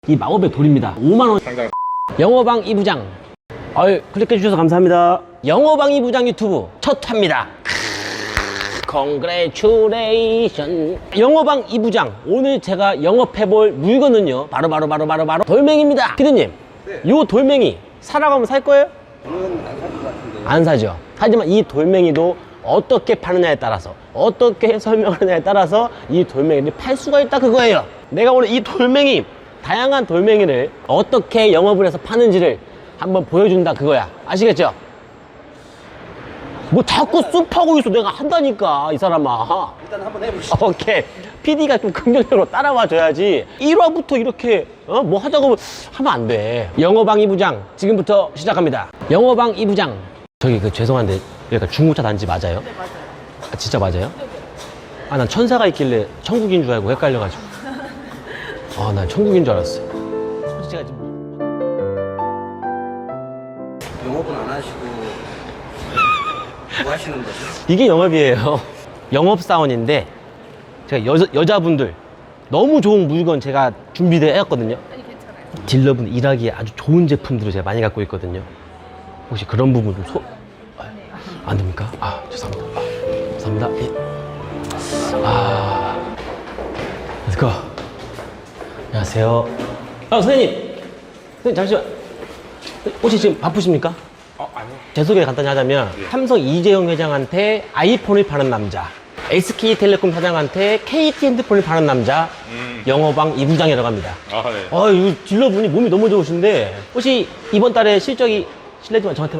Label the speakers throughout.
Speaker 1: 이 마법의 돌입니다. 5만원
Speaker 2: 상장.
Speaker 1: 영어방 이부장. 아유, 클릭해 주셔서 감사합니다. 영어방 이부장 유튜브 첫 회입니다. Congratulation. 영어방 이부장, 오늘 제가 영업해볼 물건은요 바로 돌멩이입니다. 피디님,
Speaker 3: 네.
Speaker 1: 요 돌멩이 사라고 하면 살 거예요?
Speaker 3: 저는 안 살 것 같은데.
Speaker 1: 안 사죠. 하지만 이 돌멩이도 어떻게 파느냐에 따라서, 어떻게 설명하느냐에 따라서 이 돌멩이를 팔 수가 있다, 그거예요. 내가 오늘 이 돌멩이, 다양한 돌멩이를 어떻게 영업을 해서 파는지를 한번 보여준다, 그거야. 아시겠죠? 뭐 자꾸 쑥하고 있어. 내가 한다니까, 이 사람아.
Speaker 3: 일단 한번 해보시죠.
Speaker 1: 오케이. PD가 좀 긍정적으로 따라와 줘야지. 1화부터 이렇게 뭐 하자고 하면 안 돼. 영어방 이부장 지금부터 시작합니다. 영어방 이부장. 저기 죄송한데 여기가 중고차 단지 맞아요?
Speaker 4: 네, 맞아요.
Speaker 1: 아, 진짜 맞아요? 아, 난 천사가 있길래 천국인 줄 알고 헷갈려가지고. 아, 난 천국인 줄 알았어요. 솔직히 지금
Speaker 3: 영업은 안 하시고 뭐 하시는 거죠?
Speaker 1: 이게 영업이에요. 영업사원인데 제가 여자분들 너무 좋은 물건 제가 준비되어 했거든요.
Speaker 4: 아니, 괜찮아요.
Speaker 1: 딜러분 일하기에 아주 좋은 제품들을 제가 많이 갖고 있거든요. 혹시 그런 부분 좀 안 됩니까? 아, 죄송합니다. 아, 감사합니다. 예. 아, let's go. 안녕하세요. 아, 선생님 잠시만. 혹시 지금 바쁘십니까?
Speaker 2: 아니요.
Speaker 1: 제 소개 간단히 하자면 삼성 이재용 회장한테 아이폰을 파는 남자, SK텔레콤 사장한테 KT 핸드폰을 파는 남자, 영어방 이부장이라고 합니다.
Speaker 2: 아, 네.
Speaker 1: 이 딜러분이 몸이 너무 좋으신데 혹시 이번 달에 실적이 실례지만 저한테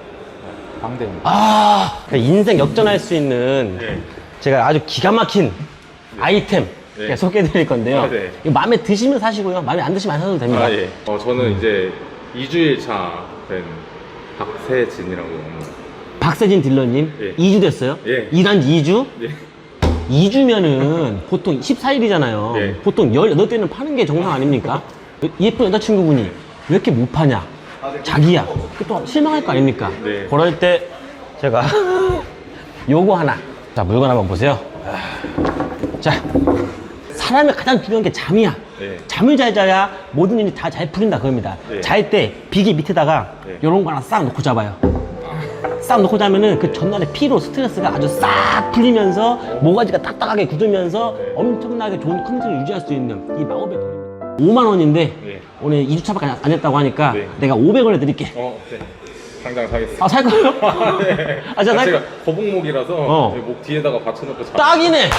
Speaker 2: 방대입니다.
Speaker 1: 인생 역전할 수 있는
Speaker 2: 네.
Speaker 1: 제가 아주 기가 막힌 아이템
Speaker 2: 네.
Speaker 1: 소개해 드릴 건데요.
Speaker 2: 아, 네.
Speaker 1: 이거 마음에 드시면 사시고요, 마음에 안 드시면 안 사도 됩니다.
Speaker 2: 아, 예. 저는 이제 2주일 차 된 박세진이라고 합니다.
Speaker 1: 박세진 딜러님,
Speaker 2: 예.
Speaker 1: 2주 됐어요?
Speaker 2: 예.
Speaker 1: 일한 지 2주?
Speaker 2: 예.
Speaker 1: 2주면은 보통 14일이잖아요.
Speaker 2: 네.
Speaker 1: 보통 18대는 파는 게 정상 아닙니까? 예쁜 여자친구분이 왜 이렇게 못 파냐? 자기야. 그 또 실망할 거 아닙니까?
Speaker 2: 네.
Speaker 1: 그럴 때 제가 요거 하나. 자, 물건 한번 보세요. 자, 사람의 가장 중요한 게 잠이야.
Speaker 2: 네.
Speaker 1: 잠을 잘 자야 모든 일이 다 잘 풀린다, 그겁니다.
Speaker 2: 네.
Speaker 1: 잘 때 비계 밑에다가
Speaker 2: 네.
Speaker 1: 요런 거 하나 싹 놓고 잡아요. 싹 놓고 자면은 그 전날의 피로, 스트레스가 아주 싹 풀리면서 모가지가 딱딱하게 굳으면서 엄청나게 좋은 컨디션을 유지할 수 있는 이 마법의 돌입니다. 5만 원인데
Speaker 2: 네.
Speaker 1: 오늘 2주차밖에 안 했다고 하니까
Speaker 2: 네.
Speaker 1: 내가 500원에 드릴게.
Speaker 2: 네. 당장 사겠습니다.
Speaker 1: 아, 살 거예요?
Speaker 2: 네.
Speaker 1: 아, 제가 살
Speaker 2: 제가
Speaker 1: 거.
Speaker 2: 거북목이라서 목 뒤에다가 받쳐놓고
Speaker 1: 딱이네.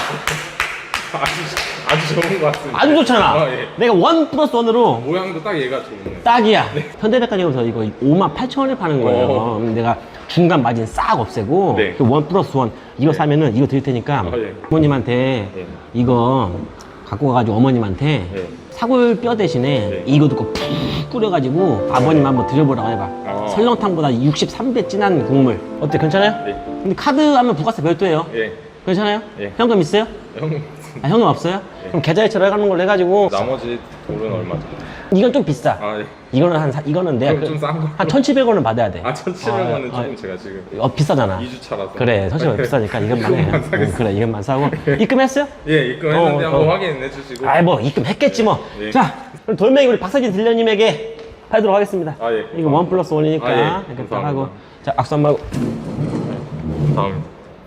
Speaker 2: 아주 좋은 것 같습니다.
Speaker 1: 아주 좋잖아.
Speaker 2: 예.
Speaker 1: 내가 1+1으로
Speaker 2: 모양도 딱 얘가 좋네.
Speaker 1: 딱이야. 현대백화점에서 이거 58,000원에 파는 거예요. 그럼 내가 중간 마진 싹 없애고
Speaker 2: 네.
Speaker 1: 그 1+1 이거 사면은 이거 드릴 테니까
Speaker 2: 예.
Speaker 1: 부모님한테
Speaker 2: 예.
Speaker 1: 이거 갖고 가가지고 어머님한테
Speaker 2: 예.
Speaker 1: 사골뼈 대신에
Speaker 2: 네.
Speaker 1: 이거 넣고 푹 끓여가지고 아버님 한번 드려보라고 해봐. 설렁탕보다 63배 진한 국물. 어때? 괜찮아요?
Speaker 2: 네.
Speaker 1: 근데 카드 하면 부가세 별도예요.
Speaker 2: 예.
Speaker 1: 괜찮아요?
Speaker 2: 예.
Speaker 1: 현금 있어요?
Speaker 2: 형,
Speaker 1: 아, 현금 없어요? 그럼 계좌이체로 해가는 걸로 해가지고
Speaker 2: 나머지 돈은 얼마죠?
Speaker 1: 이건 좀 비싸.
Speaker 2: 아, 예.
Speaker 1: 이거는 이거는 내가
Speaker 2: 그럼 좀 싼 거.
Speaker 1: 한 1,700원은 받아야 돼.
Speaker 2: 1,700원은
Speaker 1: 아,
Speaker 2: 조금 제가 지금
Speaker 1: 비싸잖아.
Speaker 2: 2주 차라서.
Speaker 1: 그래, 1,700원 비싸니까 이것만 해.
Speaker 2: 이것만 사겠습니다.
Speaker 1: 그래, 이것만 사고. 입금했어요?
Speaker 2: 예, 입금했는데 한번
Speaker 1: 어.
Speaker 2: 확인해 주시고.
Speaker 1: 아이, 뭐 입금했겠지 뭐.
Speaker 2: 예.
Speaker 1: 자, 그럼 돌멩이 우리 박사진 딜러님에게 팔도록 하겠습니다.
Speaker 2: 아, 예.
Speaker 1: 이거 1+1이니까
Speaker 2: 아, 예.
Speaker 1: 이렇게 딱
Speaker 2: 감사합니다.
Speaker 1: 하고. 자, 악수 한번 하고.
Speaker 2: 다음.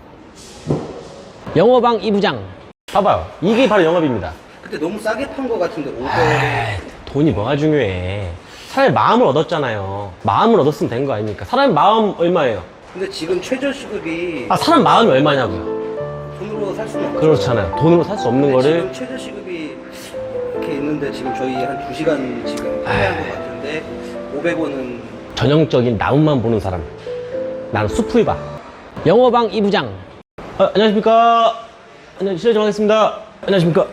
Speaker 1: 영어방 이부장. 봐봐요. 이게 바로 영업입니다.
Speaker 3: 그때 너무 싸게 판 거 같은데 500.
Speaker 1: 돈이 뭐가 중요해. 차라리 마음을 얻었잖아요. 마음을 얻었으면 된 거 아닙니까? 사람 마음 얼마예요?
Speaker 3: 근데 지금 최저 시급이
Speaker 1: 아, 사람 마음이 얼마냐고요?
Speaker 3: 돈으로 살 수는 없죠.
Speaker 1: 그렇잖아요. 돈으로 살 수 없는
Speaker 3: 근데
Speaker 1: 거를.
Speaker 3: 지금 최저 시급이 이렇게 있는데 지금 저희 한 2시간 지금 판매한 거 같은데 500원은
Speaker 1: 전형적인 나무만 보는 사람. 나는 숲을 봐. 영어방 이부장. 안녕하십니까. 실례 좀 하겠습니다. 안녕하십니까.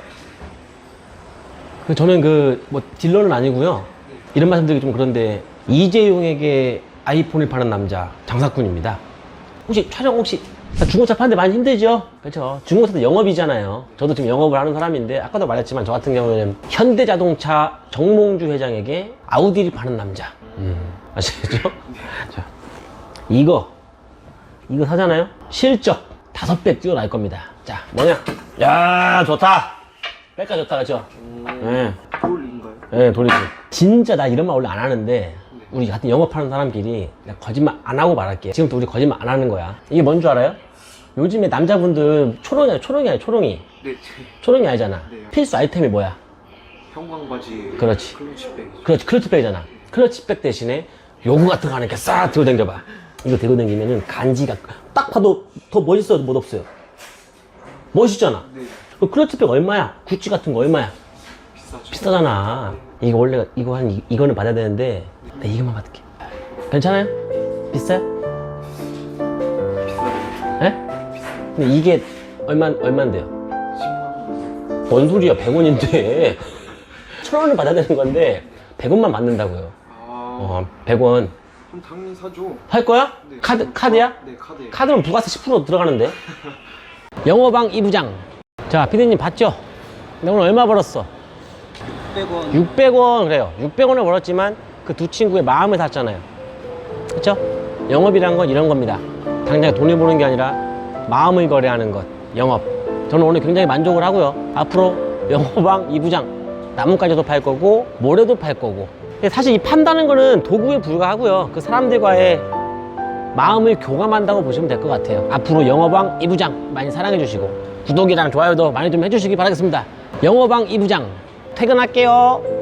Speaker 1: 저는 뭐 딜러는 아니고요. 이런 말씀드리기 좀 그런데 이재용에게 아이폰을 파는 남자 장사꾼입니다. 혹시 촬영 혹시 중고차 파는데 많이 힘들죠? 그렇죠. 중고차도 영업이잖아요. 저도 지금 영업을 하는 사람인데 아까도 말했지만 저 같은 경우는 현대자동차 정몽주 회장에게 아우디를 파는 남자. 아시겠죠? 자, 이거 사잖아요? 실적 5배 뛰어날 겁니다. 자, 뭐냐? 야, 좋다. 백가 좋다, 그렇죠? 네.
Speaker 3: 돌인가요?
Speaker 1: 예, 돌리지. 진짜 나 이런 말 원래 안 하는데 우리 같은 영업하는 사람끼리 내가 거짓말 안 하고 말할게. 지금부터 우리 거짓말 안 하는 거야. 이게 뭔 줄 알아요? 요즘에 남자분들 초롱이 아니야, 초롱이 아니야, 초롱이.
Speaker 3: 네.
Speaker 1: 초롱이 아니잖아.
Speaker 3: 네.
Speaker 1: 필수 아이템이 뭐야?
Speaker 3: 형광바지.
Speaker 1: 그렇지.
Speaker 3: 클러치백.
Speaker 1: 그렇지, 클러치백이잖아. 클러치백 대신에 요구 같은 거 하나 이렇게 싹 들고 다녀봐. 이거 들고 다니면은 간지가 딱 봐도 더 멋있어도 못 없어요. 멋있잖아.
Speaker 3: 네.
Speaker 1: 그 클러치백 얼마야? 구찌 같은 거 얼마야?
Speaker 3: 비싸죠.
Speaker 1: 비싸잖아. 이거 원래 이거는 받아야 되는데 나 이거만 받을게. 괜찮아요? 비싸요?
Speaker 3: 비싸요.
Speaker 1: 예? 근데 이게 얼만데요?
Speaker 3: 10만 원.
Speaker 1: 뭔 소리야? 100원인데 1,000원을 받아야 되는 건데 100원만 받는다고요.
Speaker 3: 아.
Speaker 1: 100원
Speaker 3: 그럼 당연히 사죠.
Speaker 1: 할 거야?
Speaker 3: 네.
Speaker 1: 카드야?
Speaker 3: 네, 카드예요.
Speaker 1: 카드는 부가세 10% 들어가는데. 영어방 이부장. 자, 피디님 봤죠? 나 오늘 얼마 벌었어?
Speaker 3: 100원.
Speaker 1: 600원 그래요. 600원을 벌었지만 그 두 친구의 마음을 샀잖아요. 그쵸? 영업이란 건 이런 겁니다. 당장 돈을 버는 게 아니라 마음을 거래하는 것. 영업. 저는 오늘 굉장히 만족을 하고요. 앞으로 영어방 이부장 나뭇가지도 팔 거고 모래도 팔 거고. 근데 사실 이 판다는 거는 도구에 불과하고요. 그 사람들과의 마음을 교감한다고 보시면 될 것 같아요. 앞으로 영어방 이부장 많이 사랑해 주시고 구독이랑 좋아요도 많이 좀 해주시기 바라겠습니다. 영어방 이부장 퇴근할게요.